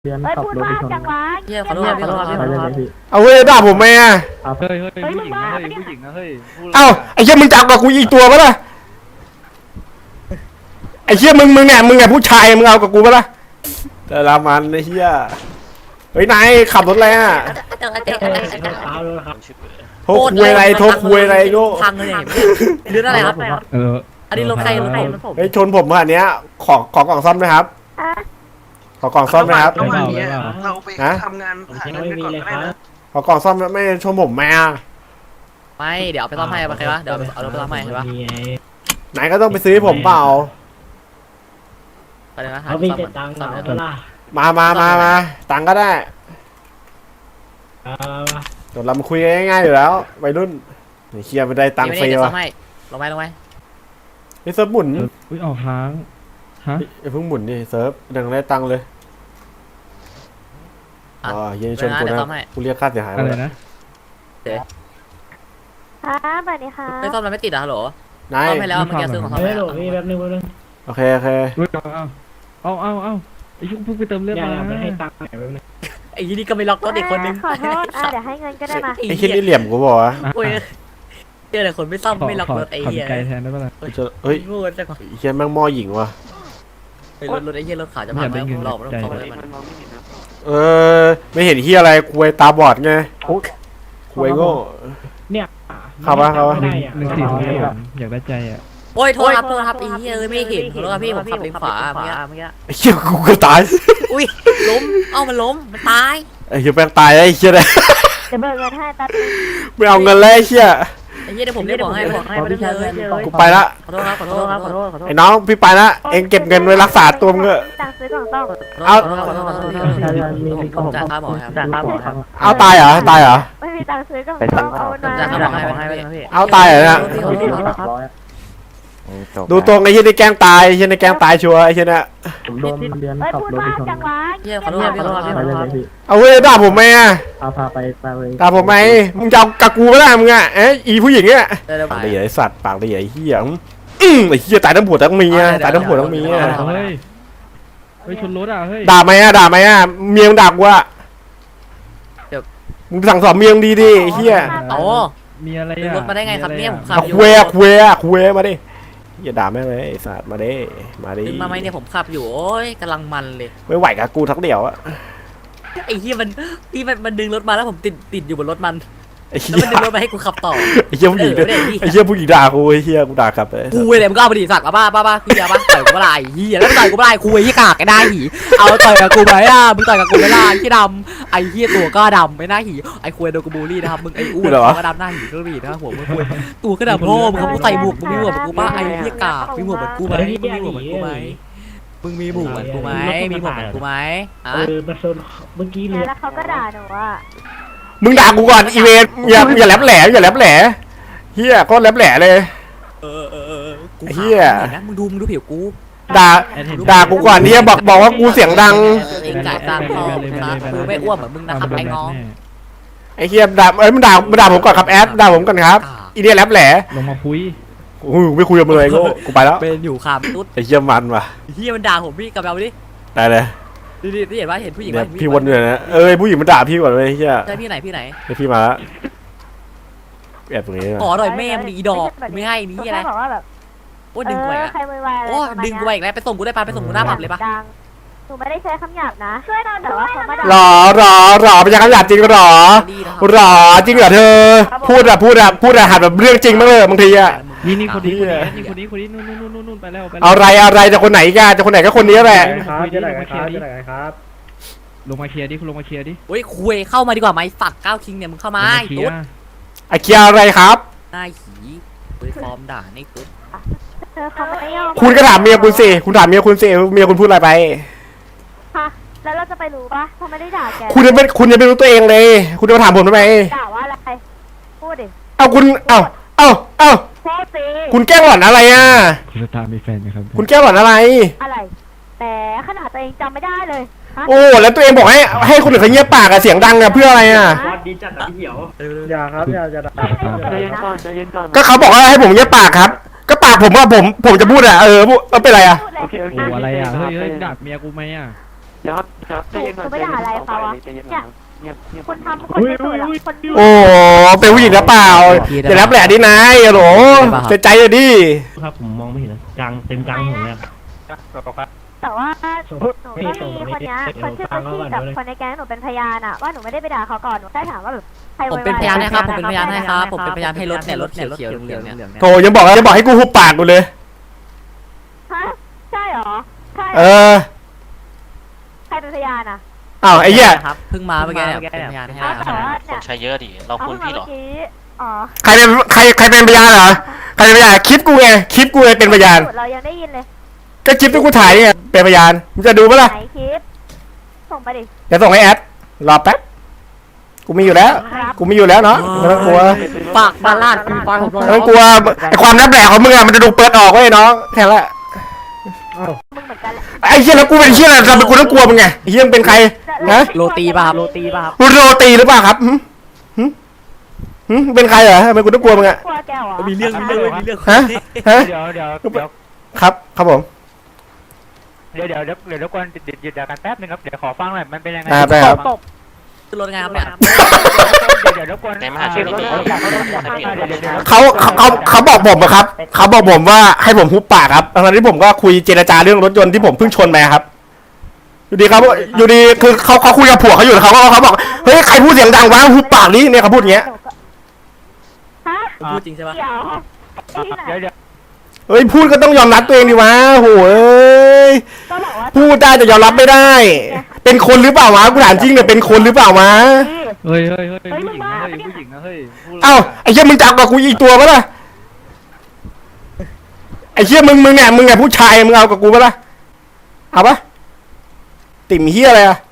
เรียนเฮ้ยขับพูดรถมาไปชนจังวะเฮียขอโทษครับพี่ขอโทษครับไปพี่ขอเลโทยษพี่เอาเว้ยด่าผมไหมอ่ะครับเฮ้ยผู้หญิงนะเฮ้ยผู้หญิงนะเฮ้ยพูดะไรเอ้าไอ้เหี้ยมึงจับกับกูอีกตัวปะล่ะไอ้เหี้ยมึงเนี่ยผู้ชายมึงเอากับกูปะล่ะแต่ละมันไอ้เหี้ยเฮ้ยนายขับรถอะไรอ่ะโทรคุยอะไรโทรคุยอะไรโง่พังเลยเรื่องอะไรครับ อันนี้รถใครรถผมเฮ้ยชนผมขนาดเนี้ยขอกล่องซ่อมไหมครับอ่ะขอกล่องซ่อมไหมครับระหว่างนี้เราไปทำงานหาเงินกันก่อนก็ได้นะขอกล่องซ่อมไม่ชนผมไหมอ่ะไม่เดี๋ยวเอาไปซ่อมให้โอเควะเดี๋ยวเอารถไปซ่อมให้ใช่ปะนายก็ต้องไปซื้อให้ผมเปล่าไปเลยนะหาเขาซ่มีอมแต่ตังค์ซ่อมเหรให้อล่ะมาตังค์ก็ได้เดี๋ยวเรามาคุยกันง่ายๆอยู่แล้ววัยรุ่นเคลียร์ไม่ได้ตังค์ฟรีเดี๋ยวซ่วะอมให้ลงไปไอ้เซิร์ฟหมุนอุ้ยออกค้างฮะอย่าเพิ่งหมุนดิเซิร์ฟดังได้ตังค์เลยอ๋อเย็นชนกูนะกูเรียกค่าเสียหายอะไรมานะค่ะสวัสดีค่ะไม่ซ่อมแล้วไม่ติดอะฮัลโหลนายซ่อมให้แล้วเมื่อกี้ซื้อของซ่อมเฮ้ให้ยหลพี่แป๊บนึงแป๊บนึงโอเคอุ้ยเอาไอ้ชุกเพิ่งไปเติมเลือดอย่ามาไม่ให้ตังค์หน่อยแป๊บนึงไอ้ยี่นี่ก็ไม่ล็อกรถอีกคนนึงขอโทษเดี๋ยวให้เงินก็ได้มาไอ้คิดนี่เหลี่ยมกูบอกว่าโอ้ยเจอแต่คนไม่ซ่อมไม่ล็อกรถไอ้ขอเหี้ยไกลแทนได้ปะล่ะเฮ้ยงูจังไอ้เหี้ยแม่งหม้อหญิงว่ะรถไอ้เหี้ยรถขาวจะพังไหมผมหลอกมันต้องซ่อมเลยมันมันมองไม่เห็นนะไม่เห็นเหี้ยอะไรคุยตาบอดไงคุยโง่เนี่ยขับวะ 1 4 0อยากได้ใจอ่ะโอ้ยโทษครับไอ้เหี้ยไม่เห็นขอโทษครับพี่ผมขับเลนขวาเมื่อกี้ไอ้เหี้ยกูก็ตายอุ้ยล้มมันล้มมันตายไอ้เหี้ยแม่งตายไอ้เหี้ยเลยเดี๋ยวเบิกเงินให้ตัดไม่เอาเงินแล้วไอ้เหี้ยไอ้เหี้ยเดี๋ยวผมได้บอกให้ไปเลยกูไปละขอโทษครับขอโทษครับขอโทษไอ้น้องพี่ไปละเองเก็บเงินไว้รักษาตัวมึงเถอะตังค์ซื้อกล่องซ่อมผมจ่ายค่าหมอครับจ่ายค่าหมอครับเอาตายเหรอไม่มีตังค์ซื้อกล่องซ่อมเอาเงินจ่ายค่าหมอมาให้ไปนะพี่เอาตายเหรอเนี่ยดูตรงไอ้เหี้ยในแกล้งตายไอ้เหี้ยในแกล้งตายชัวร์ไอ้เหี้ยเนี่ยผมโดนเรียนเฮ้ยขับพูดรถมาไปชนจังวะเหี้ยขอโทษครับพี่ขอโทษครับไปเลยพี่เอาเว้ยด่าผมไหมอ่ะพาไปเลยด่าผมไหมมึงจะเอากับกูไม่ได้มึงอ่ะอีผู้หญิงเนี่ยเดี๋ยวปากดีไอ้สัตว์ปากดีไอ้เหี้ยไอ้เหี้ยตายทั้งผัวทั้งเมียตายทั้งผัวทั้งเมียเฮ้ยชนรถอ่ะเฮ้ยด่าไหมอ่ะเมียมึงด่ากูอ่ะมึงสั่งสอนเมียมึงดีดิไอ้เหี้ยโอ้มีอะไรดึงอ่ะรถมาได้ไงครับเนี่ยผมขับเอาอยู่คุยมาดิอย่าด่าแม่งเลยไอ้สัตว์มาดิดึงมาไหมเนี่ยผมขับอยู่โอ้ยกำลังมันเลยไม่ไหวกับกูทักเดียวอะไอ้เหี้ยมันดึงรถมาแล้วผมติดอยู่บนรถมันไอ้แล้วเหี้ยมันดึงรถมาให้กูขับต่อไอ้เหี้ยผู้หญิงไอ้เหี้ยผู้หญิงด่ากูไอ้เหี้ยกูด่ากลับเลยกูเลยมึงก็เอาไปดิสัตว์บ้าพี่ยาบ้าต่อยกูไม่ได้เหี้ยแล้วต่อยกูไม่ได้คุยที่กากไอ้ได้หีเอาต่อยกับกูไหมอ่ะมึงต่อยกับกูไม่ได้ไอ้ดำไอ้เหี้ยตัวก็ดำไม่น่าหีไอ้คุยโดนกูบูลลี่นะครับมึงไอ้อ้วนตัวก็ดำหน้าหีก็รีนะหัวมึงคุยตัวก็ดำพ่อมึงเขาใส่หมวกมึงมีหมวกเหมือนกูป่ะไอ้เหี้ยกากมีหมวกเหมือนกูไหมมึงมีหมวกเหมือนกูไหมมึงมีหมวกเหมือนกูไหมมีหมวกเหมือนกูไหมอ่ะมาชนเมื่อกี้เลยแล้วเขาก็ด่าหนูว่ามึงด่ากูก่อนอีเวนอย่าแหลมแหล่เหี้ยก็แหลมแหล่เลยกูเหี้ยนะมึงดูผิวกูด่ากูก่อนเหี้ยบอกว่ากูเสียงดังเองจ่ายตังค์พอครับกูไม่อ้วนเหมือนมึงนะครับไอ้น้องไอ้เหี้ยมันด่าผมก่อนครับแอดด่าผมก่อนครับอีเนี่ยแหลมแหล่ลงมาคุยไม่คุยกับมึงเลยกูไปแล้วเป็นอยู่ขามตุ๊ดไอ้เหี้ยมันว่ะเฮียมันด่าผมพี่กับเราดิได้เลยดิเห็นว่าเห็นผู้หญิงเนี่ยพี่วนอยู่นะผู้หญิงมันด่าพี่ก่อนเลยเหี้ยใช่พี่ไหนพี่มาแล้วแอบตรงนี้ขอหน่อยแม่มึงอีดอกไม่ให้นี่อะไรบอกว่าแบบโอ้ดึงกูอีกแล้วใครมือไวอะไรโอ้ดึงกูอีกแล้วไปส่งกูได้ปะไปส่งกูหน้าผับเลยปะดังหนูไม่ได้ใช้คำหยาบนะช่วยหน่อยแต่ว่าเขามาด่าหรอเป็นยังไงหยาบจริงหรอจริงเหรอเธอพูดอะหัดแบบเรื่องจริงมั้งเลยบางทีอะนี่คนนี้นู่นไปแล้วอะไรจะคนไหนกันจะคนไหนก็คนนี้แหละลงมาเคลียร์ดิคุณลงมาเคลียร์ดิโอ้ยคุยเข้ามาดีกว่าไหมสัตว์ก้าวคิงเนี่ยมึงเข้ามาตุ๊ดไอเคียอะไรครับหน้าหีคุยฟอร์มด่าในตุ๊ดเขาไม่ยอมคุณก็ถามเมียคุณสิคุณถามเมียคุณสิเมียคุณพูดอะไรไปค่ะแล้วเราจะไปรู้ปะเขาไม่ได้ด่าแกคุณจะไม่รู้ตัวเองเลย คุณจะมาถามผมทำไมด่าว่าอะไรพูดดิเอาคุณเอาพูดสิคุณแกล้งหล่อนอะไรอ่ะคุณสตาร์มีแฟนไหมครับคุณแกล้งหล่อนอะไรอะไรแต่ขนาดตัวเองจำไม่ได้เลยโอ้แล้วตัวเองบอกให้คนอื่นเขาเงียบปากอะเสียงดังอะเพื่ออะไรอะดีจัดพี่เหี่ยวอย่าครับอย่าใจเย็นก่อนก็เขาบอกว่าให้ผมเงียบปากครับ ก็ปากผมว่าผมจะพูดอะพูดเป็นไรอะโอเคโอ้อะไรอ่ะเฮ้ยดักเมียกูไหมอ่ะเดี๋ยวครับใจเย็นก่อนใจเย็นก่อนใจเย็นก่อนเงียบคุณทำคนไม่สวยหรอกคนดูโอ้เป็นผู้หญิงหรือเปล่าอย่ารับแหละดินายโหลใจเลยดิครับผมมองไม่เห็นนะกลางเต็มกลางถนนเลยแต่ว่าหนูก็มีคนเนี้ยคนชื่อพี่กับคนในแก๊งหนูเป็นพยานอะว่าหนูไม่ได้ไปด่าเขาก่อนหนูแค่ถามว่าแบบใครผมเป็นพยานให้ครับผมเป็นพยานให้ครับผมเป็นพยานให้รถเนี่ยรถเขียวๆเหลืองๆเนี่ยโถยังบอกให้กูหุบปากกูเลยฮะใช่เหรอใช่ ใครเป็นพยานอะอ้าวไอ้เหี้ยครับเพิ่งมาเมื่อกี้เนี่ยเป็นพยานให้ครับแต่ว่าเนี่ยใช้เยอะดิ เราคุณพี่หรออ๋อใครเป็นพยานเหรอใครเป็นพยานคลิปกูไงคลิปกูไงเป็นพยานเรายังได้ยินเลยก็คลิปที่กูถ่ายนี่ไงเป็นพยานมึงจะดูปะล่ะไหนคลิปส่งไปดิเดี๋ยวส่งให้แอดรอแป๊บกูมีอยู่แล้วกูมีอยู่แล้วเนาะไม่ต้องกลัวฝากบ้านลาดกูไปผมไม่ต้องกลัวไอ้ความลับแหลกของมึงอะมันจะดูเปิดออกเว้ยน้องแค่นั้นแหละมึงเหมือนกันแหละไอ้เหี้ยแล้วกูเป็นเหี้ยอะไรทำไมกูต้องกลัวมึงไงไอ้เหี้ยมึงเป็นใครฮะโรตีป่ะครับโรตีป่ะครับกูโรตีหรือเปล่าครับเป็นใครเหรอทำไมกูต้องกลัวมึงอะกลัวแกเหรอมีเรื่องฮะเดี๋ยวครับผมเดี๋ยวรบกวนหยุดกันแป๊บนึงครับเดี๋ยวขอฟังหน่อยมันเป็นยังไงได้ครับตบขึ้นรถไงครับเนี่ยเดี๋ยวรบกวนในมหาชีพนี่เขาบอกผมอะครับเขาบอกผมว่าให้ผมหุบปากครับตอนที่ผมก็คุยเจรจาเรื่องรถยนต์ที่ผมเพิ่งชนไปครับอยู่ดีครับอยู่ดีคือเขาคุยกับผัวเขาอยู่เขาบอกเฮ้ยใครพูดเสียงดังวะหุบปากนี้เนี่ยเขาพูดอย่างเงี้ยฮะพูดจริงใช่ปะเดี๋ยวที่ไหนเดี๋ยวเฮ้ยพูดก็ต้องยอมรับตัวเองดิวะโหยก็บอกว่าพูดได้แต่ยอมรับไม่ได้ เป็นคนหรือเปล่าวะกูถามจริงเนี่ยเป็นคนหรือเปล่าวะเฮ้ยผู้หญิงนะเฮ้ยเอ้าไอ้เหี้ยมึงจับกับกูอีกตัวปะล่ะไอ้เหี้ยมึงเนี่ยผู้ชายมึงเอากับกูปะล่ะเอาปะติ่มเหี้ยอะไรอะ